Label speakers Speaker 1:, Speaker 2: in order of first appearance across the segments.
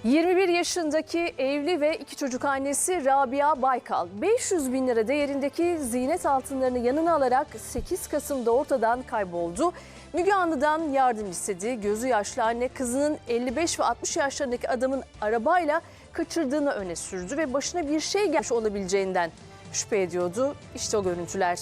Speaker 1: 21 yaşındaki evli ve 2 çocuk annesi Rabia Baykal 500 bin lira değerindeki ziynet altınlarını yanına alarak 8 Kasım'da ortadan kayboldu. Müge Anlı'dan yardım istedi. Gözü yaşlı anne kızının 55 ve 60 yaşlarındaki adamın arabayla kaçırdığını öne sürdü ve başına bir şey gelmiş olabileceğinden şüphe ediyordu. İşte o görüntüler.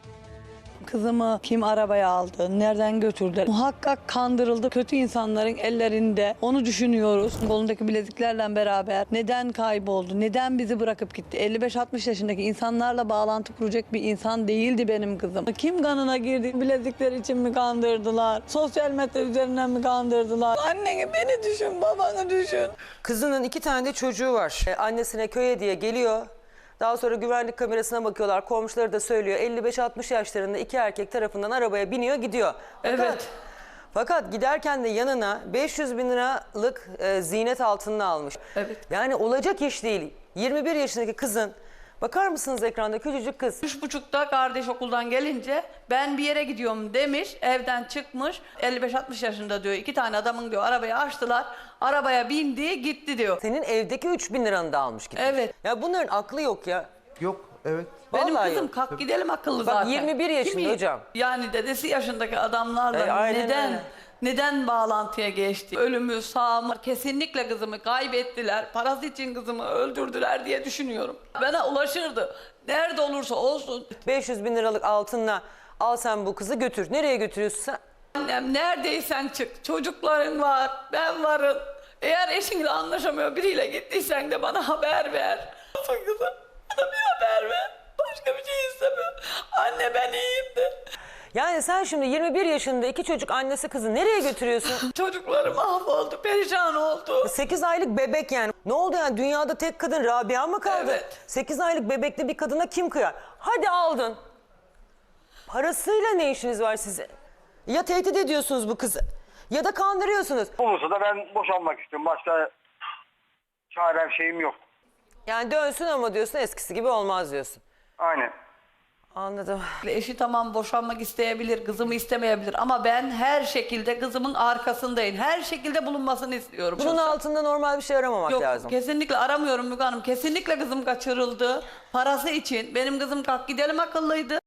Speaker 2: Kızımı kim arabaya aldı, nereden götürdü? Muhakkak kandırıldı. Kötü insanların ellerinde. Onu düşünüyoruz. Kolundaki bileziklerle beraber neden kayboldu, neden bizi bırakıp gitti? 55-60 yaşındaki insanlarla bağlantı kuracak bir insan değildi benim kızım. Kim kanına girdi? Bilezikler için mi kandırdılar? Sosyal medya üzerinden mi kandırdılar? Anneni, beni düşün, babanı düşün.
Speaker 3: Kızının 2 tane de çocuğu var. Annesine köye diye geliyor. Daha sonra güvenlik kamerasına bakıyorlar. Komşuları da söylüyor. 55-60 yaşlarında 2 erkek tarafından arabaya biniyor gidiyor.
Speaker 2: Evet.
Speaker 3: Fakat giderken de yanına 500 bin liralık ziynet altınını almış.
Speaker 2: Evet.
Speaker 3: Yani olacak iş değil. 21 yaşındaki kızın, bakar mısınız ekranda, küçücük kız.
Speaker 4: 3.30'da kardeş okuldan gelince ben bir yere gidiyorum demiş, evden çıkmış. 55-60 yaşında diyor, 2 tane adamın diyor arabaya açtılar. Arabaya bindi gitti diyor.
Speaker 3: Senin evdeki 3 bin liranı da almış gitmiş.
Speaker 4: Evet.
Speaker 3: Ya bunların aklı yok ya.
Speaker 5: Yok, evet.
Speaker 4: Benim
Speaker 3: Vallahi
Speaker 4: kızım
Speaker 3: yok.
Speaker 4: kalk gidelim akıllı
Speaker 3: Bak,
Speaker 4: zaten.
Speaker 3: 21 yaşında
Speaker 4: Kimi?
Speaker 3: hocam.
Speaker 4: Yani dedesi yaşındaki adamlarla
Speaker 3: Aynen öyle.
Speaker 4: neden bağlantıya geçti? Ölümü, sağ mı? Kesinlikle kızımı kaybettiler. Parası için kızımı öldürdüler diye düşünüyorum. Bana ulaşırdı. Nerede olursa olsun.
Speaker 3: 500 bin liralık altınla al sen bu kızı götür. Nereye götürüyorsun sen?
Speaker 4: Annem neredeysen çık. Çocukların var. Ben varım. Eğer eşinle anlaşamıyor biriyle gittiysen de bana haber ver. Kızım bana bir haber ver. Başka bir şey istemiyorum. Anne ben iyiyim de.
Speaker 3: Yani sen şimdi 21 yaşında 2 çocuk annesi kızı nereye götürüyorsun?
Speaker 4: Çocuklarım mahvoldu. Perişan oldu.
Speaker 3: 8 aylık bebek yani. Ne oldu yani, dünyada tek kadın Rabia mı kaldı?
Speaker 4: Evet.
Speaker 3: 8 aylık bebekli bir kadına kim kıyar? Hadi aldın. Parasıyla ne işiniz var size? Ya tehdit ediyorsunuz bu kızı ya da kandırıyorsunuz.
Speaker 6: Olursa da ben boşanmak istiyorum. Başka çarem şeyim yok.
Speaker 3: Yani dönsün ama diyorsun, eskisi gibi olmaz diyorsun.
Speaker 6: Aynen.
Speaker 3: Anladım.
Speaker 4: Eşi tamam boşanmak isteyebilir, kızımı istemeyebilir ama ben her şekilde kızımın arkasındayım. Her şekilde bulunmasını istiyorum.
Speaker 3: Bunun
Speaker 4: Yoksa-
Speaker 3: altında normal bir şey aramamak
Speaker 4: Yok,
Speaker 3: lazım.
Speaker 4: kesinlikle aramıyorum Müge Hanım. Kesinlikle kızım kaçırıldı. Parası için. Benim kızım kalk gidelim akıllıydı.